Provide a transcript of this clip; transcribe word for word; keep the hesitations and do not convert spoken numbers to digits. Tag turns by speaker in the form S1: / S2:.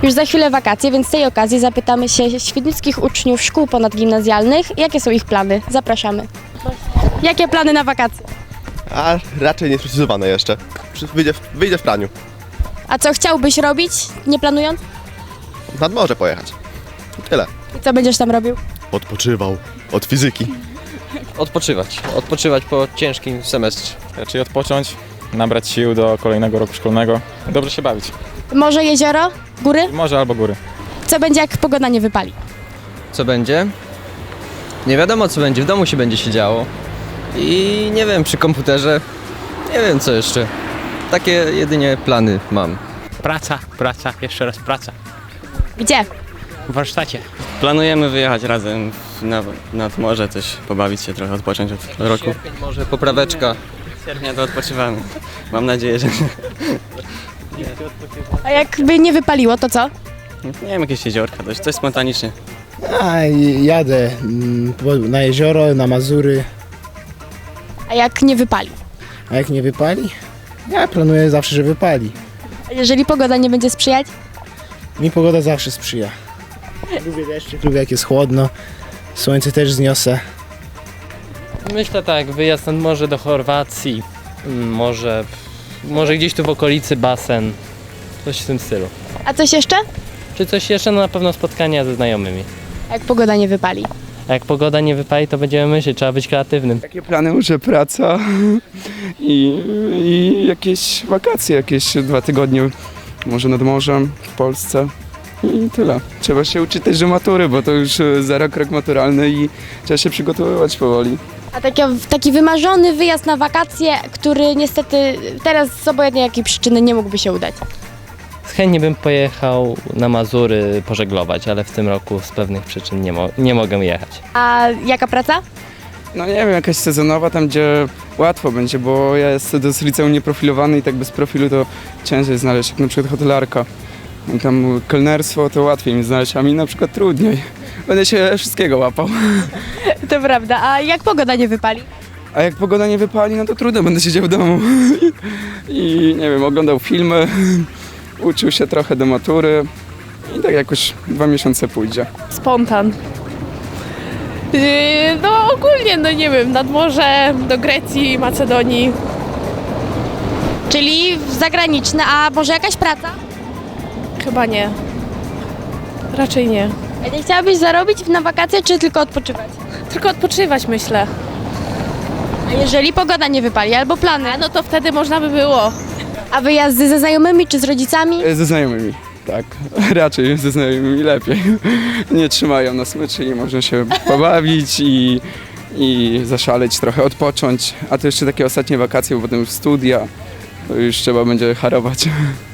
S1: Już za chwilę wakacje, więc z tej okazji zapytamy się świdnickich uczniów szkół ponadgimnazjalnych, jakie są ich plany. Zapraszamy. Jakie plany na wakacje?
S2: A raczej niesprecyzowane jeszcze. Przy- Wyjdzie w, wyjdzie w praniu.
S1: A co chciałbyś robić, nie planując?
S2: Nad morze pojechać. I tyle.
S1: I co będziesz tam robił?
S2: Odpoczywał od fizyki.
S3: Odpoczywać. Odpoczywać po ciężkim semestrze.
S4: Raczej odpocząć, nabrać sił do kolejnego roku szkolnego, dobrze się bawić.
S1: Morze, jezioro, góry?
S4: Morze albo góry.
S1: Co będzie, jak pogoda nie wypali?
S3: Co będzie? Nie wiadomo co będzie, w domu się będzie się działo. I nie wiem, przy komputerze, nie wiem co jeszcze. Takie jedynie plany mam.
S5: Praca, praca, jeszcze raz praca.
S1: Gdzie?
S5: W warsztacie.
S6: Planujemy wyjechać razem na, nad morze, też pobawić się trochę, odpocząć od roku.
S3: Sierpień może popraweczka.
S6: W sierpnia to odpoczywamy. Mam nadzieję, że
S1: A jakby nie wypaliło, to co?
S6: nie wiem, jakieś jeziorka, coś, coś spontanicznie.
S7: A, i jadę mm, po- na jezioro, na Mazury,
S1: A jak nie wypali?
S7: a jak nie wypali? Ja planuję zawsze, że wypali.
S1: A jeżeli pogoda nie będzie sprzyjać?
S7: Mi pogoda zawsze sprzyja. Lubię deszczyk, lubię jak jest chłodno, słońce też zniosę.
S5: Myślę tak, wyjazd nad morze do Chorwacji, mm, może, może gdzieś tu w okolicy basen, coś w tym stylu.
S1: A coś jeszcze?
S5: Czy coś jeszcze? No na pewno spotkania ze znajomymi.
S1: A jak pogoda nie wypali?
S5: A jak pogoda nie wypali, to będziemy myśleć, trzeba być kreatywnym.
S8: Takie plany, że praca i, i jakieś wakacje, jakieś dwa tygodnie może nad morzem w Polsce i tyle. Trzeba się uczyć też do matury, bo to już e, za rok rok maturalny i trzeba się przygotowywać powoli.
S1: A taki, taki wymarzony wyjazd na wakacje, który niestety teraz z obojętnie jakiej przyczyny nie mógłby się udać.
S5: Chętnie bym pojechał na Mazury pożeglować, ale w tym roku z pewnych przyczyn nie, mo- nie mogę jechać.
S1: A jaka praca?
S8: No nie wiem, jakaś sezonowa tam, gdzie łatwo będzie, bo ja jestem z liceum nieprofilowany i tak bez profilu to ciężej znaleźć, jak na przykład hotelarka. I tam kelnerstwo to łatwiej mi znaleźć, a mi na przykład trudniej. Będę się wszystkiego łapał.
S1: To prawda. A jak pogoda nie wypali?
S8: A jak pogoda nie wypali, no to trudno, będę siedział w domu i nie wiem, oglądał filmy, uczył się trochę do matury i tak jakoś dwa miesiące pójdzie.
S9: Spontan. Yy, No ogólnie, no nie wiem, nad morze, do Grecji, Macedonii.
S1: Czyli zagraniczne, a może jakaś praca?
S9: Chyba nie. Raczej nie.
S1: A nie chciałabyś zarobić na wakacje, czy tylko odpoczywać?
S9: Tylko odpoczywać, myślę.
S1: A jeżeli pogoda nie wypali, albo plany,
S9: A no to wtedy można by było.
S1: a wyjazdy ze znajomymi, czy z rodzicami?
S8: E, Ze znajomymi, tak. Raczej ze znajomymi lepiej. Nie trzymają na smyczy i można się pobawić i, i zaszaleć, trochę odpocząć. A to jeszcze takie ostatnie wakacje, bo potem już studia, to już trzeba będzie harować.